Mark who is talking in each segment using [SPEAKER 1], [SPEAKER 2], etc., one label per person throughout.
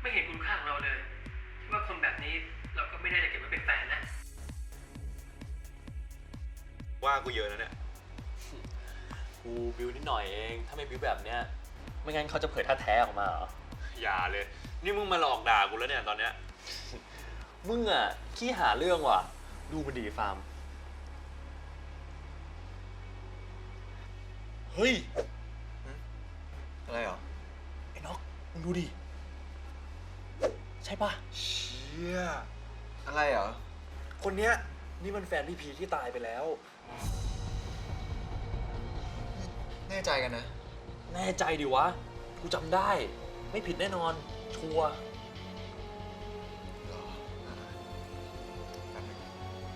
[SPEAKER 1] ไม่เห็นคุณค่าของเราเลยที่ว่าคนแบบนี้เราก็ไม่ได้จะเก็บไว้เป็นแฟนนะ
[SPEAKER 2] ว่ากูเยอะนะเนี่ย
[SPEAKER 3] กูบิวนิดหน่อยเองถ้าไม่บิวแบบเนี้ยไม่งั้นเขาจะเผยท่าแท้ออกมาเหรอ
[SPEAKER 2] อย่าเลยนี่มึงมาหลอกด่ากูแล้วเนี่ยตอนเนี้ย
[SPEAKER 3] มึงอ่ะขี้หาเรื่องว่ะดูมันดีฟาร์มเฮ้ย
[SPEAKER 4] อะไรเหรอ
[SPEAKER 3] ไอ้น็อกมึงดูดิใช่ปะ
[SPEAKER 4] เชี่ยอะไรเหรอ
[SPEAKER 3] คนเนี้ยนี่มันแฟนพี่พีที่ตายไปแล้ว
[SPEAKER 4] แน่ใจกันนะ
[SPEAKER 3] แน่ใจดิวะกูจำได้ไม่ผิดแน่นอนชัวร์
[SPEAKER 4] หรอแป๊บนึง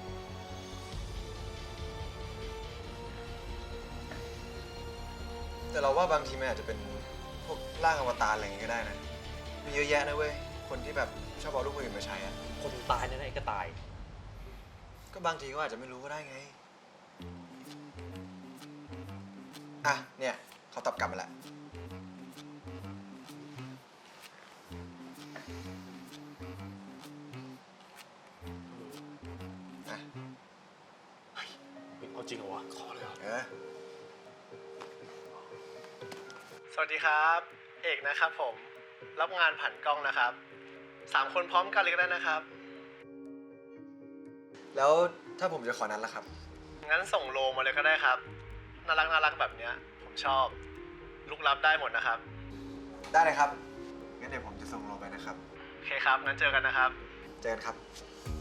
[SPEAKER 4] แต่เราว่าบางทีมันอาจจะเป็นพวกร่างอวตารอะไรอย่างงี้ก็ได้นะมีเยอะแยะนะเว้ยคนที่แบบชอบเอารูปคนอื่นมาใช้อะ
[SPEAKER 3] คนตายเนี่ยนะไอ้ก็ตาย
[SPEAKER 4] ก็บางทีก็อาจจะไม่รู้ก็ได้ไงอ่ะเนี่ยเขาตอบกลับมาแล้วอ่ะ
[SPEAKER 3] เอาจริงเหรอวะขอเลยเหรอ
[SPEAKER 5] สวัสดีครับเอกนะครับผมรับงานผ่านกล้องนะครับ3 คนพร้อมกันเลยก็ได้นะครับ
[SPEAKER 4] แล้วถ้าผมจะขอนัดล่ะครับ
[SPEAKER 5] งั้นส่งโลมาเลยก็ได้ครับน่ารักแบบเนี้ยผมชอบลุกลับได้หมดนะครับ
[SPEAKER 4] ได้เลยครับงั้นเดี๋ยวผมจะส่งโลไปนะครับ
[SPEAKER 5] โอเคครับงั้นเจอกันนะครับ
[SPEAKER 4] เจอกันครับ